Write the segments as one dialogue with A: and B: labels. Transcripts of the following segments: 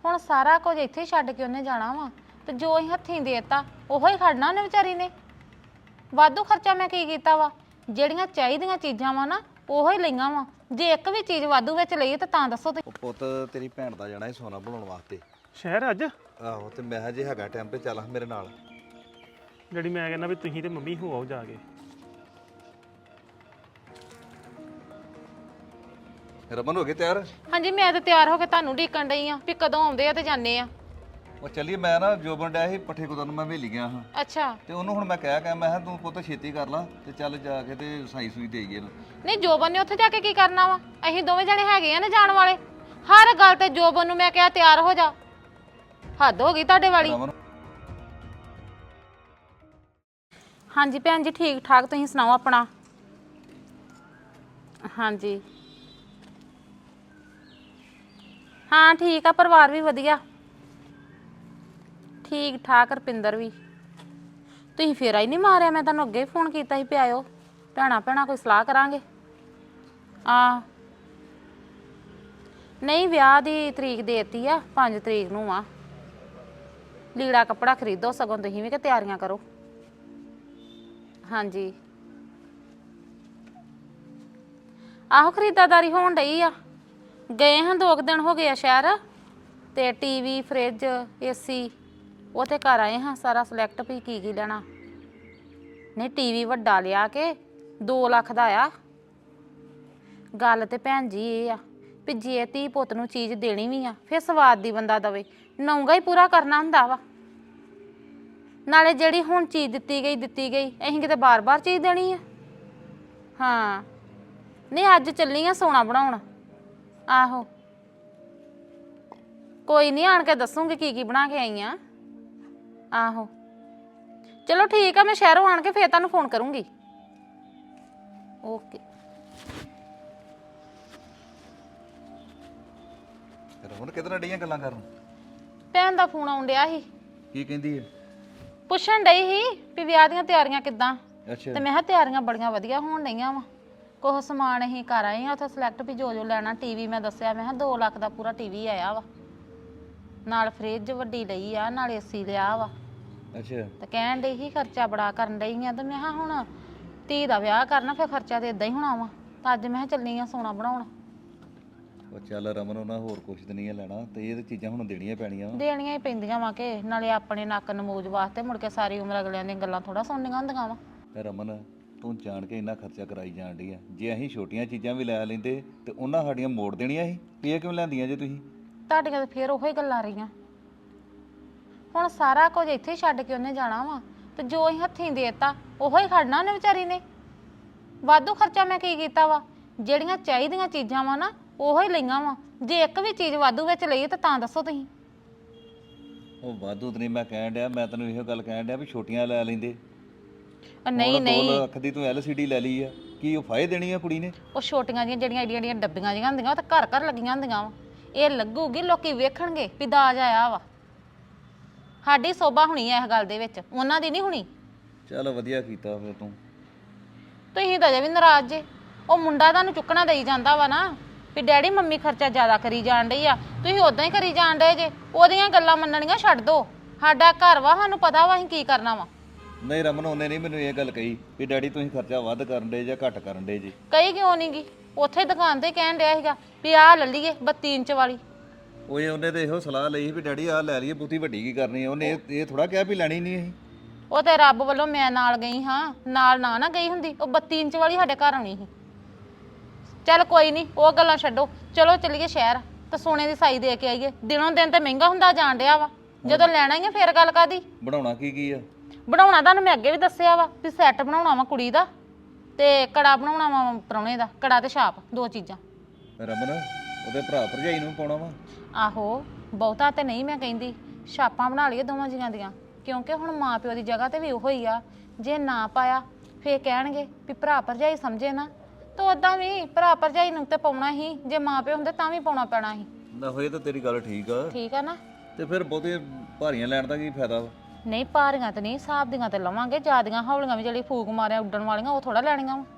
A: ਹੁਣ ਸਾਰਾ ਕੁਝ ਇੱਥੇ ਛੱਡ ਕੇ ਉਹਨੇ ਜਾਣਾ ਵਾ ਤੇ ਜੋ ਅਸੀਂ ਹੱਥੀਂ ਦੇਤਾ ਉਹੋ ਹੀ ਖੜਨਾ ਉਹਨੇ ਵਿਚਾਰੀ ਨੇ। ਵਾਧੂ ਖਰਚਾ ਮੈਂ ਕੀ ਕੀਤਾ ਵਾ? ਜਿਹੜੀਆਂ ਚਾਹੀਦੀਆਂ ਚੀਜ਼ਾਂ ਵਾ ਨਾ ਉਹੋ ਹੀ ਲਈਆਂ ਵਾ। ਜੇ ਇੱਕ ਵੀ ਚੀਜ਼ ਵਾਧੂ ਵਿੱਚ ਲਈ ਤਾਂ ਦੱਸੋ ਤੁਸੀਂ।
B: ਪੁੱਤ ਤੇਰੀ ਭੈਣ ਦਾ ਜਾਣਾ ਸੋਨਾ ਬਣਾਉਣ ਵਾਸਤੇ
C: ਸ਼ਹਿਰ ਅੱਜ।
B: ਆਹੋ ਤੇ ਮੈਂ ਜੇ ਹੈਗਾ ਟਾਈਮ ਤੇ ਚੱਲ ਮੇਰੇ ਨਾਲ।
C: ਜਿਹੜੀ ਮੈਂ ਕਹਿੰਦਾ ਵੀ ਤੁਸੀਂ ਤੇ ਮੰਮੀ ਹੋ ਆਓ ਜਾ ਕੇ।
B: ਰਮਨ ਹੋ ਗਏ ਤਿਆਰ?
A: ਹਾਂਜੀ ਮੈਂ ਤਾਂ ਤਿਆਰ ਹੋ ਕੇ ਤੁਹਾਨੂੰ ਢੀਕਣ ਡਈ ਆ ਵੀ ਕਦੋਂ ਆਉਂਦੇ ਆ ਤੇ ਜਾਂਦੇ ਆ।
B: ਉਹ ਚੱਲੀਏ ਮੈਂ ਨਾ ਜੋਬਨ ਡਿਆ ਸੀ ਪੱਠੇ ਕੁਤਰਨ ਮੈਂ ਵੇਲੀ ਗਿਆ ਹਾਂ
A: ਅੱਛਾ
B: ਤੇ ਉਹਨੂੰ ਹੁਣ ਮੈਂ ਕਿਹਾ ਮੈਂ ਕਿਹਾ ਤੂੰ ਪੁੱਤ ਛੇਤੀ ਕਰ ਲਾ ਤੇ ਚੱਲ ਜਾ ਕੇ ਤੇ ਸਾਈ ਸੂਈ ਦੇਈਏ ਇਹਨੂੰ।
A: ਨਹੀਂ ਜੋਬਨ ਨੇ ਉੱਥੇ ਜਾ ਕੇ ਕੀ ਕਰਨਾ ਵਾ? ਅਸੀਂ ਦੋਵੇਂ ਜਣੇ ਹੈਗੇ ਆ ਨਾ ਜਾਣ ਵਾਲੇ। ਹਰ ਗੱਲ ਤੇ ਜੋਬਨ ਨੂੰ ਮੈਂ ਕਿਹਾ ਤਿਆਰ ਹੋ ਜਾ। ਹੱਦ ਹੋ ਗਈ ਤੁਹਾਡੇ ਵਾਲੀ। ਹਾਂਜੀ ਭੈਣ ਜੀ ਠੀਕ ਠਾਕ ਤੁਸੀਂ ਸੁਣਾਓ ਆਪਣਾ? ਹਾਂਜੀ ਹਾਂ ਠੀਕ ਆ ਪਰਿਵਾਰ ਵੀ ਵਧੀਆ ਠੀਕ ਠਾਕ। ਰਪਿੰਦਰ ਵੀ ਤੁਸੀਂ ਫੇਰਾ ਹੀ ਨਹੀਂ ਮਾਰਿਆ। ਮੈਂ ਤੁਹਾਨੂੰ ਅੱਗੇ ਫੋਨ ਕੀਤਾ ਸੀ ਪਿਆਇਓ ਭੈਣਾ ਕੋਈ ਸਲਾਹ ਕਰਾਂਗੇ। ਆ ਨਹੀਂ ਵਿਆਹ ਦੀ ਤਰੀਕ ਦੇਤੀ ਆ 5 ਤਰੀਕ ਨੂੰ ਆ। ਲੀੜਾ ਕੱਪੜਾ ਖਰੀਦੋ ਸਗੋਂ ਤੁਸੀਂ ਵੀ ਕਿ ਤਿਆਰੀਆਂ ਕਰੋ। ਹਾਂਜੀ ਆਹੋ ਖਰੀਦਾਦਾਰੀ ਹੋਣ ਡਈ ਆ। ਗਏ ਹਾਂ 2 ਦਿਨ ਹੋ ਗਏ ਆ ਸ਼ਹਿਰ ਤੇ ਟੀਵੀ ਫਰਿੱਜ ਏਸੀ ਉਹ ਤੇ ਘਰ ਆਏ ਹਾਂ ਸਾਰਾ ਸਿਲੈਕਟ ਵੀ ਕੀ ਲੈਣਾ। ਨਹੀਂ ਟੀਵੀ ਵੱਡਾ ਲਿਆ ਕੇ 2 ਲੱਖ ਦਾ ਆ। ਗੱਲ ਤੇ ਭੈਣ ਜੀ ਇਹ ਆ ਵੀ ਜੇ ਧੀ ਪੁੱਤ ਨੂੰ ਚੀਜ਼ ਦੇਣੀ ਵੀ ਆ ਫਿਰ ਸਵਾਦ ਦੀ ਬੰਦਾ ਦਵੇ। ਨੌਂਗਾ ਹੀ ਪੂਰਾ ਕਰਨਾ ਹੁੰਦਾ ਵਾ। ਨਾਲੇ ਜਿਹੜੀ ਹੁਣ ਚੀਜ਼ ਦਿੱਤੀ ਗਈ ਅਸੀਂ ਕਿਤੇ ਬਾਰ-ਬਾਰ ਚੀਜ਼ ਦੇਣੀ ਆ। ਹਾਂ ਨਹੀਂ ਅੱਜ ਚੱਲੀ ਆ ਸੋਨਾ ਬਣਾਉਣ। ਆਹੋ ਕੋਈ ਨਹੀਂ ਆਣ ਕੇ ਦੱਸੂਗੀ ਕੀ ਬਣਾ ਕੇ ਆਈ ਆ। ਆਹੋ ਚਲੋ ਠੀਕ ਆ ਮੈਂ ਸ਼ਹਿਰੋਂ ਆਣ ਕੇ ਫੇਰ ਤੁਹਾਨੂੰ ਫੋਨ ਕਰੂੰਗੀ। ਓਕੇ
B: ਰਮਨ ਕਿਹਦੇ ਨਾਲ ਡੀਆਂ ਗੱਲਾਂ ਕਰਨ?
A: ਭੈਣ ਦਾ ਫੋਨ ਆਉਣ ਡਿਆ ਸੀ।
B: ਕੀ ਕਹਿੰਦੀ ਹੈ?
A: ਪੁੱਛਣ ਡਈ ਸੀ ਵੀ ਵਿਆਹ ਦੀਆਂ ਤਿਆਰੀਆਂ ਕਿੱਦਾਂ।
B: ਅੱਛਾ
A: ਤੇ ਮੈਂ ਕਿਹਾ ਤਿਆਰੀਆਂ ਬੜੀਆਂ ਵਧੀਆ ਹੋਣ ਡਈਆਂ ਵਾ। ਕੁਛ ਸਮਾਨ ਅਸੀਂ ਕਰ ਆਏ ਆ ਉੱਥੇ ਸਿਲੈਕਟ ਵੀ ਜੋ ਲੈਣਾ। ਟੀਵੀ ਮੈਂ ਦੱਸਿਆ ਮੈਂ ਕਿਹਾ 2 ਲੱਖ ਦਾ ਪੂਰਾ ਟੀਵੀ ਆਇਆ ਵਾ। ਨਾਲ ਫਰਿੱਜ ਵੱਡੀ ਲਈ ਆ ਨਾਲ ਏਸੀ ਲਿਆ ਵਾ।
B: ਅੱਛਾ
A: ਤੇ ਕਹਿਣ ਡਈ ਸੀ ਖਰਚਾ ਬੜਾ ਕਰਨ ਡਈ ਆ ਤੇ ਮੈਂ ਕਿਹਾ ਹੁਣ ਧੀ ਦਾ ਵਿਆਹ ਕਰਨਾ ਫਿਰ ਖਰਚਾ ਤੇ ਇਦਾਂ ਹੀ ਹੋਣਾ ਵਾ। ਤਾਂ ਅੱਜ ਮੈਂ ਕਿਹਾ ਚੱਲੀ ਆ ਸੋਨਾ ਬਣਾਉਣ।
B: ਉਹ ਚੱਲ ਰਮਨ ਉਹਨਾਂ ਹੋਰ ਕੁਛ ਤੇ ਨਹੀਂ ਲੈਣਾ ਤੇ ਇਹ ਤੇ ਚੀਜ਼ਾਂ ਹੁਣ ਦੇਣੀਆਂ ਪੈਣੀਆਂ।
A: ਦੇਣੀਆਂ ਹੀ ਪੈਂਦੀਆਂ ਵਾ ਕਿ ਨਾਲੇ ਆਪਣੇ ਨੱਕ ਨਮੂਜ ਵਾਸਤੇ ਮੁੜ ਕੇ ਸਾਰੀ ਉਮਰ ਅਗਲਿਆਂ ਦੀਆਂ ਗੱਲਾਂ ਥੋੜਾ ਸੁਣਨੀਆਂ ਹੁੰਦੀਆਂ ਵਾ।
B: ਰਮਨ ਤੂੰ ਜਾਣ ਕੇ ਇੰਨਾ ਖਰਚਾ ਕਰਾਈ ਜਾਣ ਡਈ ਆ। ਜੇ ਅਸੀਂ ਛੋਟੀਆਂ ਚੀਜ਼ਾਂ ਵੀ ਲੈ ਲੈਂਦੇ ਤੇ ਉਹਨਾਂ ਸਾਡੀਆਂ ਮੋੜ ਦੇਣੀਆਂ ਸੀ। ਇਹ ਕਿਉਂ ਲੈਂਦੀਆਂ ਜੇ ਤੁਸੀਂ?
A: ਤੁਹਾਡੀਆਂ ਤੇ ਫੇਰ ਉਹੋ ਹੀ ਗੱਲਾਂ ਰਹੀਆਂ। ਹੁਣ ਸਾਰਾ ਕੁਝ ਇੱਥੇ ਛੱਡ ਕੇ ਉਹਨੇ ਜਾਣਾ ਵਾ ਤੇ ਜੋ ਅਸੀਂ ਹੱਥੀਂ ਦੇਤਾ ਉਹੋ ਹੀ ਖੜਨਾ ਉਹਨੇ ਵਿਚਾਰੀ ਨੇ। ਵਾਧੂ ਖਰਚਾ ਮੈਂ ਕੀ ਕੀਤਾ ਵਾ? ਜਿਹੜੀਆਂ ਚਾਹੀਦੀਆਂ ਚੀਜ਼ਾਂ ਵਾ ਨਾ ਉਹੋ ਹੀ ਲਈਆਂ ਵਾ। ਜੇ ਇੱਕ ਵੀ ਚੀਜ਼ ਵਾਧੂ ਵਿੱਚ ਲਈ ਤਾਂ ਦੱਸੋ ਤੁਸੀਂ।
B: ਉਹ ਵਾਧੂ ਤੇ ਨਹੀਂ ਮੈਂ ਕਹਿਣ ਡਿਆ। ਮੈਂ ਤੈਨੂੰ ਇਹੋ ਗੱਲ ਕਹਿਣ ਡਿਆ ਵੀ ਛੋਟੀਆਂ ਲੈ ਲੈਂਦੇ।
A: ਨਹੀਂ
B: 2 ਲੱਖ ਦੀ ਤੂੰ LCD ਲੈ ਲਈ ਆ। ਕੀ ਉਹ ਫਾਇਦੇ ਦੇਣੀ ਆ ਕੁੜੀ ਨੇ? ਉਹ
A: ਛੋਟੀਆਂ ਜਿਹੀਆਂ ਜਿਹੜੀਆਂ ਏਡੀਆਂ ਡੱਬੀਆਂ ਜਿਹੀਆਂ ਹੁੰਦੀਆਂ ਉਹ ਤਾਂ ਘਰ ਲੱਗੀਆਂ ਹੁੰਦੀਆਂ ਵਾ। ਇਹ ਲੱਗੂਗੀ ਲੋਕੀ ਵੇਖਣਗੇ ਵੀ ਦਾਜ ਆਇਆ ਵਾ। ਸਾਡੀ ਸੋਭਾ ਹੋਣੀ ਆ ਇਸ ਗੱਲ ਦੇ ਵਿੱਚ ਉਹਨਾਂ ਦੀ ਨਹੀਂ ਹੋਣੀ।
B: ਚੱਲ ਵਧੀਆ ਕੀਤਾ ਫਿਰ ਤੂੰ।
A: ਤੁਸੀਂ ਤਾਂ ਅਜੇ ਵੀ ਨਾਰਾਜ਼ ਜੇ। ਉਹ ਮੁੰਡਾ ਤੁਹਾਨੂੰ ਚੁੱਕਣਾ ਦੇਈ ਜਾਂਦਾ ਵਾ ਨਾ ਵੀ ਡੈਡੀ ਮੰਮੀ ਖਰਚਾ ਜ਼ਿਆਦਾ ਕਰੀ ਜਾਣ ਡਈ ਆ। ਤੁਸੀਂ ਉਦਾਂ ਹੀ ਕਰੀ ਜਾਣ ਡਏ ਜੇ। ਉਹਦੀਆਂ ਗੱਲਾਂ ਮੰਨਣੀਆਂ ਛੱਡ ਦੋ। ਸਾਡਾ ਘਰ ਵਾ ਸਾਨੂੰ ਪਤਾ ਵਾ ਅਸੀਂ ਕੀ ਕਰਨਾ ਵਾ।
B: ਨਹੀਂ ਰਮਨ ਉਹਨੇ ਨਹੀਂ ਮੈਨੂੰ ਇਹ ਗੱਲ ਕਹੀ ਵੀ ਡੈਡੀ ਤੁਸੀਂ ਖਰਚਾ ਵੱਧ ਕਰਨ ਡੇ ਜਾਂ ਘੱਟ ਕਰਨ ਡੇ ਜੀ।
A: ਕਹੀ ਕਿਉਂ ਨਹੀਂ ਗੀ? ਉੱਥੇ ਦੁਕਾਨ ਤੇ ਕਹਿਣ ਡਿਆ ਸੀਗਾ ਵੀ ਆਹ ਲੈ ਲਈਏ 32 ਇੰਚ ਵਾਲੀ।
B: ਉਹਨੇ ਤੇ ਇਹੋ ਸਲਾਹ ਲਈ ਵੀ ਡੈਡੀ ਆਹ ਲੈ ਲਈਏ ਬਹੁਤੀ ਵੱਡੀ ਕੀ ਕਰਨੀ ਆ। ਉਹਨੇ ਇਹ ਥੋੜਾ ਕਿਹਾ ਵੀ ਲੈਣੀ ਨਹੀਂ ਅਸੀਂ।
A: ਉਹ ਤੇ ਰੱਬ ਵੱਲੋਂ ਮੈਂ ਨਾਲ ਗਈ ਹਾਂ। ਨਾਲ ਨਾ ਗਈ ਹੁੰਦੀ ਉਹ 32 ਇੰਚ ਵਾਲੀ ਸਾਡੇ ਘਰ ਆਉਣੀ ਸੀ। ਚੱਲ ਕੋਈ ਨਹੀਂ ਉਹ ਗੱਲਾਂ ਛੱਡੋ। ਚਲੋ ਚੱਲੀਏ ਸ਼ਹਿਰ ਤੇ ਸੋਨੇ ਦੀ ਸਾਈ ਦੇ ਕੇ ਆਈਏ। ਦਿਨੋਂ ਦਿਨ ਤੇ ਮਹਿੰਗਾ ਹੁੰਦਾ ਜਾਣ ਡਿਆ ਵਾ। ਜਦੋਂ ਲੈਣਾ ਹੀ ਆ ਫੇਰ ਗੱਲ ਕਾਦੀ।
B: ਬਣਾਉਣਾ ਕੀ ਆ?
A: ਬਣਾਉਣਾ ਤੁਹਾਨੂੰ ਮੈਂ ਅੱਗੇ ਵੀ ਦੱਸਿਆ ਵਾ ਵੀ ਸੈੱਟ ਬਣਾਉਣਾ ਵਾ ਕੁੜੀ ਦਾ ਤੇ ਕੜਾ ਬਣਾਉਣਾ ਵਾ ਪ੍ਰਾਹੁਣੇ ਦਾ। ਕੜਾ ਤੇ ਛਾਪ 2 ਚੀਜ਼ਾਂ।
B: ਰਮਨ ਉਹਦੇ ਭਰਾ ਭਰਜਾਈ ਨੂੰ ਪਾਉਣਾ ਵਾ।
A: ਆਹੋ ਬਹੁਤਾ ਤੇ ਨਹੀਂ ਮੈਂ ਕਹਿੰਦੀ। ਛਾਪਾਂ ਬਣਾ ਲਈਏ ਦੋਵਾਂ ਜੀਆਂ ਦੀਆਂ ਕਿਉਂਕਿ ਹੁਣ ਮਾਂ ਪਿਓ ਦੀ ਜਗ੍ਹਾ ਤੇ ਵੀ ਉਹੋ ਹੀ ਆ। ਜੇ ਨਾ ਪਾਇਆ ਫੇਰ ਕਹਿਣਗੇ ਵੀ ਭਰਾ ਭਰਜਾਈ ਸਮਝੇ ਨਾ। ਤਾਂ ਉਦਾਂ ਵੀ ਭਰਾ ਭਰਜਾਈ ਨੂੰ ਤੇ ਪਾਉਣਾ ਹੀ। ਜੇ ਮਾਂ ਪਿਓ ਹੁੰਦੇ ਤਾਂ ਵੀ ਪਾਉਣਾ ਪੈਣਾ ਸੀ।
B: ਨਾ ਹੋਏ ਤਾਂ ਤੇਰੀ ਗੱਲ ਠੀਕ ਆ
A: ਨਾ।
B: ਤੇ ਫਿਰ ਬਹੁਤੇ ਭਾਰੀਆਂ ਲੈਣ ਦਾ ਕੀ ਫਾਇਦਾ ਵਾ?
A: ਨਹੀਂ ਭਾਰੀਆਂ ਤੇ ਨਹੀਂ ਹਿਸਾਬ ਦੀਆਂ ਤੇ ਲਵਾਂਗੇ। ਜਿਆਦੀਆਂ ਹੌਲੀਆਂ ਵੀ ਜਿਹੜੀ ਫੂਕ ਮਾਰਿਆ ਉੱਡਣ ਵਾਲੀਆਂ ਉਹ ਥੋੜਾ ਲੈਣੀਆਂ ਵਾ।